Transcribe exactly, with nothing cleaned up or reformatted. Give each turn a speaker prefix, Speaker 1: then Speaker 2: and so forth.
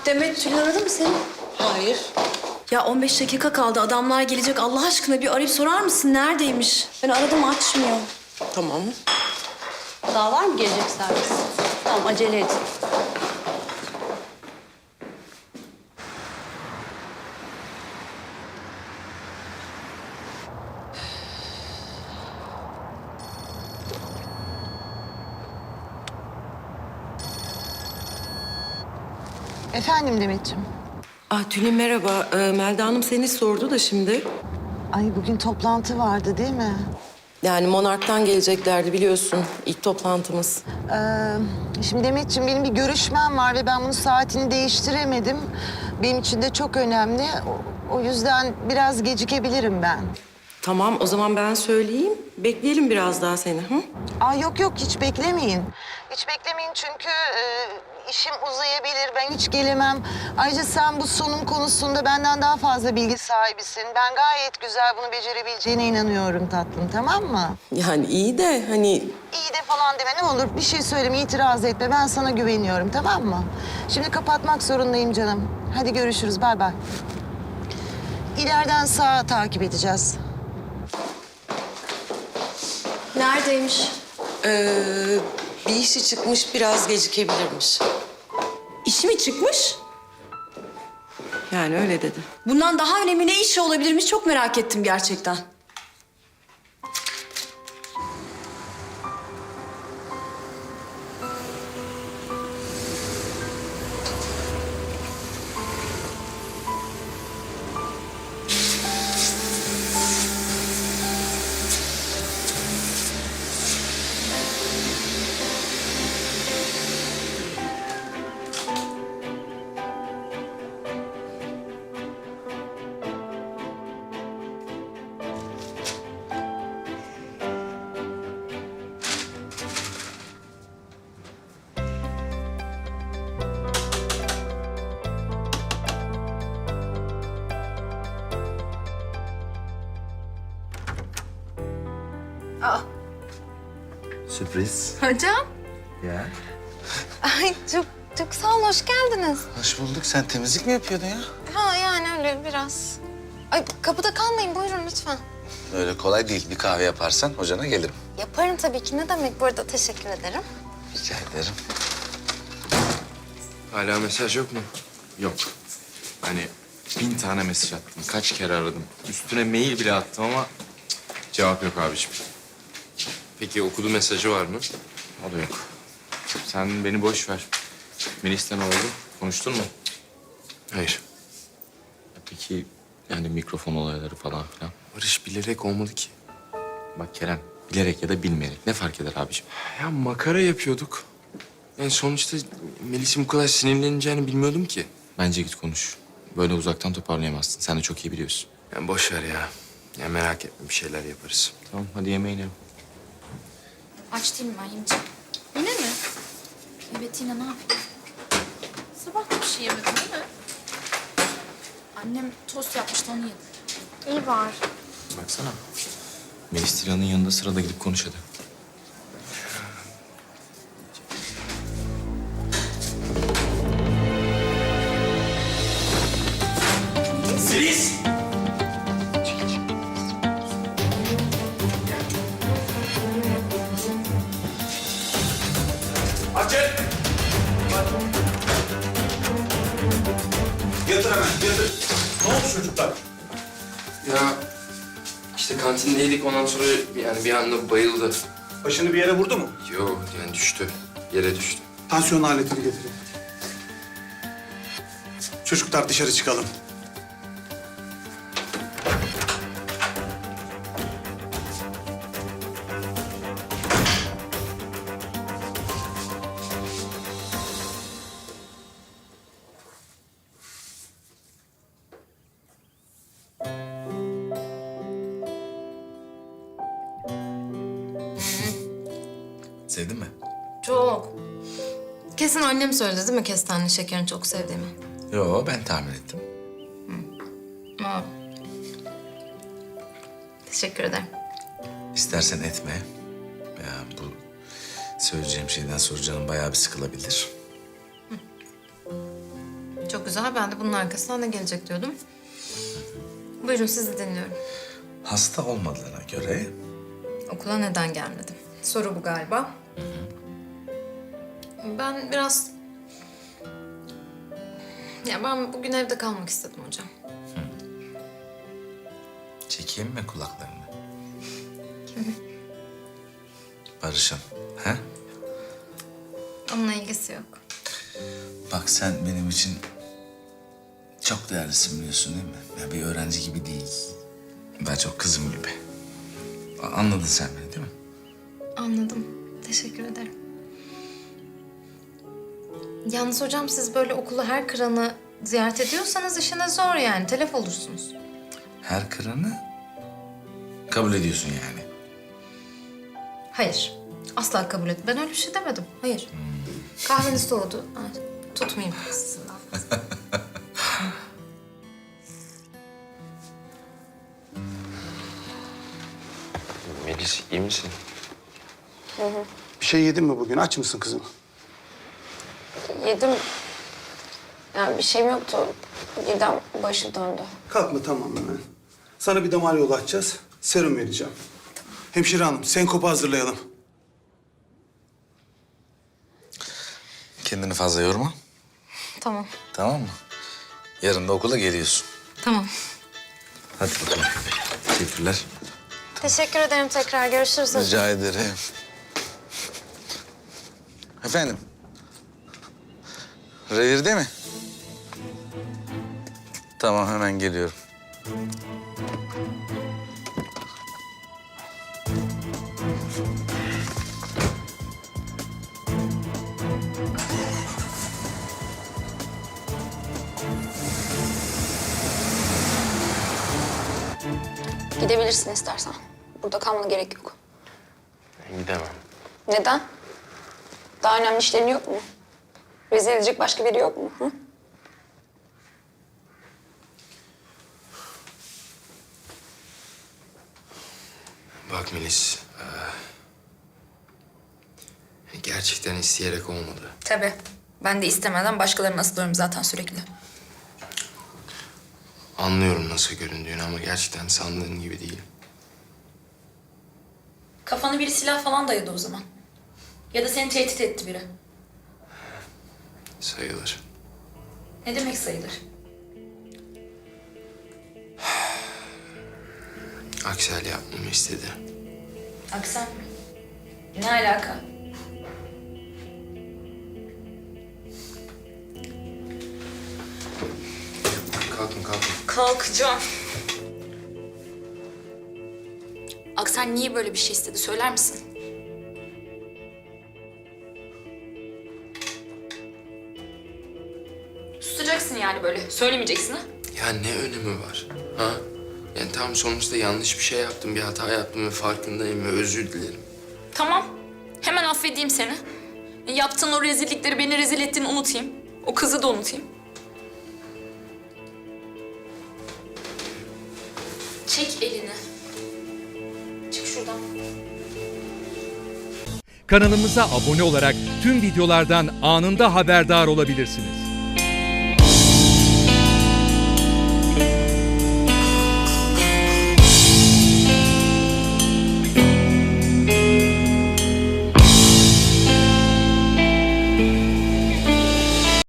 Speaker 1: Demet, Tülin aradı mı seni?
Speaker 2: Hayır.
Speaker 1: Ya on beş dakika kaldı. Adamlar gelecek. Allah aşkına bir arayıp sorar mısın? Neredeymiş? Ben aradım, açmıyor.
Speaker 2: Tamam.
Speaker 3: Daha var mı gelecek servis? Tamam, acele et.
Speaker 4: Efendim Demetciğim.
Speaker 2: Ah Tülin merhaba. Ee, Melda Hanım seni sordu da şimdi.
Speaker 4: Ay bugün toplantı vardı değil mi?
Speaker 2: Yani Monark'tan geleceklerdi biliyorsun. İlk toplantımız.
Speaker 4: Ee, şimdi Demetciğim benim bir görüşmem var ve ben bunun saatini değiştiremedim. Benim için de çok önemli. O, o yüzden biraz gecikebilirim ben.
Speaker 2: Tamam o zaman ben söyleyeyim. Bekleyelim biraz daha seni. Hı?
Speaker 4: Aa yok yok hiç beklemeyin. Hiç beklemeyin çünkü e, işim uzayabilir. Ben hiç gelemem. Ayrıca sen bu sunum konusunda benden daha fazla bilgi sahibisin. Ben gayet güzel bunu becerebileceğine inanıyorum tatlım, tamam mı?
Speaker 2: Yani iyi de hani...
Speaker 4: İyi de falan deme ne olur. Bir şey söyleme, itiraz etme. Ben sana güveniyorum, tamam mı? Şimdi kapatmak zorundayım canım. Hadi görüşürüz, bay bay. İleriden sağa takip edeceğiz.
Speaker 1: Neredeymiş?
Speaker 2: Ee, bir işi çıkmış biraz gecikebilirmiş.
Speaker 1: İşi mi çıkmış?
Speaker 2: Yani öyle dedi.
Speaker 1: Bundan daha önemli ne işi olabilirmiş çok merak ettim gerçekten.
Speaker 5: Sürpriz.
Speaker 6: Hocam.
Speaker 5: Ya.
Speaker 6: Ay çok çok sağ olun, hoş geldiniz.
Speaker 5: Hoş bulduk. Sen temizlik mi yapıyordun ya?
Speaker 6: Ha yani öyle biraz. Ay kapıda kalmayın, buyurun lütfen.
Speaker 5: Öyle kolay değil. Bir kahve yaparsan hocana gelirim.
Speaker 6: Yaparım tabii ki, ne demek, bu arada teşekkür ederim.
Speaker 5: Rica ederim.
Speaker 7: Hala mesaj yok mu? Yok. Hani bin tane mesaj attım. Kaç kere aradım. Üstüne mail bile attım ama cık, cevap yok abiciğim. Peki okudu mesajı var mı? O da yok. Sen beni boş ver. Melis'ten ne oldu? Konuştun mu? Hayır. Peki yani mikrofon olayları falan filan? Barış bilerek olmadı ki. Bak Kerem, bilerek ya da bilmeyerek ne fark eder abiciğim? Ya makara yapıyorduk. Yani sonuçta Melis'in bu kadar sinirleneceğini bilmiyordum ki. Bence git konuş. Böyle uzaktan toparlayamazsın. Sen de çok iyi biliyorsun. Yani boş ver ya. Ya merak etme, bir şeyler yaparız. Tamam, hadi yemeğini yap.
Speaker 8: Aç değilim ben, yemeyeceğim. Yine mi? Evet, yine ne yapayım? Sabah da bir şey yemedin değil mi? Annem tost yapmıştı, onu yedim. İyi var.
Speaker 7: Baksana. Melis Tilan'ın yanında sırada gidip konuş hadi.
Speaker 9: Melis! Açın! Yatır hemen, yatır. Ne oldu çocuklar?
Speaker 7: Ya işte kantindeydik, ondan sonra yani bir anda bayıldı.
Speaker 9: Başını bir yere vurdu mu?
Speaker 7: Yok yani düştü. Yere düştü.
Speaker 9: Tansiyon aletini getirin. Çocuklar dışarı çıkalım.
Speaker 7: Sevdin mi?
Speaker 8: Çok. Kesin annem söyledi değil mi kestaneli şekerini çok sevdiğimi?
Speaker 7: Yo, ben tahmin ettim.
Speaker 8: Aa. Teşekkür ederim.
Speaker 5: İstersen etme. Ya bu söyleyeceğim şeyden sonra canım bayağı bir sıkılabilir.
Speaker 6: Çok güzel. Ben de bunun arkasından ne gelecek diyordum. Buyurun, sizi dinliyorum.
Speaker 5: Hasta olmadığına göre
Speaker 6: Okula neden gelmedim? Soru bu galiba. Ben biraz... Ya ben bugün evde kalmak istedim hocam.
Speaker 5: çekeyim mi kulaklarını? Barış'ın. He?
Speaker 6: Onunla ilgisi yok.
Speaker 5: Bak sen benim için çok değerlisin biliyorsun değil mi? Ya bir öğrenci gibi değil. Daha çok kızım gibi. A- Anladın sen beni değil mi?
Speaker 6: Anladım. Teşekkür ederim. Yalnız hocam siz böyle okulu her kıranı ziyaret ediyorsanız işiniz zor yani. Telef olursunuz.
Speaker 5: Her kıranı kabul ediyorsun yani.
Speaker 6: Hayır. Asla kabul et. Ben öyle bir şey demedim. Hayır. Kahveniz soğudu. Ha, tutmayayım sizin daha fazla.
Speaker 7: Melis iyi misin?
Speaker 9: Bir şey yedin mi bugün? Aç mısın kızım?
Speaker 10: Yedim. Yani bir şeyim yoktu. Birden başı döndü.
Speaker 9: Kalkma tamam hemen. Sana bir damar yolu açacağız. Serum vereceğim. Hemşire hanım, senkopu hazırlayalım.
Speaker 5: Kendini fazla yorma.
Speaker 6: Tamam.
Speaker 5: Tamam mı? Yarın da okula geliyorsun.
Speaker 6: Tamam.
Speaker 5: Hadi bakalım. Teşekkürler.
Speaker 10: Teşekkür ederim tekrar. Görüşürüz hocam.
Speaker 5: Rica ederim. Efendim? Revirde mi? Tamam hemen geliyorum.
Speaker 10: Gidebilirsin istersen. Burada kalmana gerek yok.
Speaker 7: Gidemem.
Speaker 10: Neden? Daha önemli işlerin yok mu? Rezil edecek başka biri yok mu? Hı?
Speaker 7: Bak Melis, eee, gerçekten isteyerek olmadı.
Speaker 8: Tabii. Ben de istemeden başkalarını asılıyorum zaten sürekli.
Speaker 7: Anlıyorum nasıl göründüğünü ama gerçekten sandığın gibi değil.
Speaker 8: Kafana biri silah falan dayadı o zaman. Ya da seni tehdit etti biri.
Speaker 7: Sayılır.
Speaker 8: Ne demek sayılır?
Speaker 7: Aksel yapmamı istedi.
Speaker 8: Aksan mı? Ne alaka?
Speaker 7: Kalkın kalkın.
Speaker 8: Kalkacağım. Aksan niye böyle bir şey istedi söyler misin? Susacaksın yani böyle. Söylemeyeceksin ha?
Speaker 7: Ya ne önemi var? Ha? Yani tam sonuçta yanlış bir şey yaptım, bir hata yaptım ve farkındayım ve özür dilerim.
Speaker 8: Tamam. Hemen affedeyim seni. Yaptığın o rezillikleri, beni rezil ettiğini unutayım. O kızı da unutayım. Çek elini. Çık şuradan.
Speaker 11: Kanalımıza abone olarak tüm videolardan anında haberdar olabilirsiniz.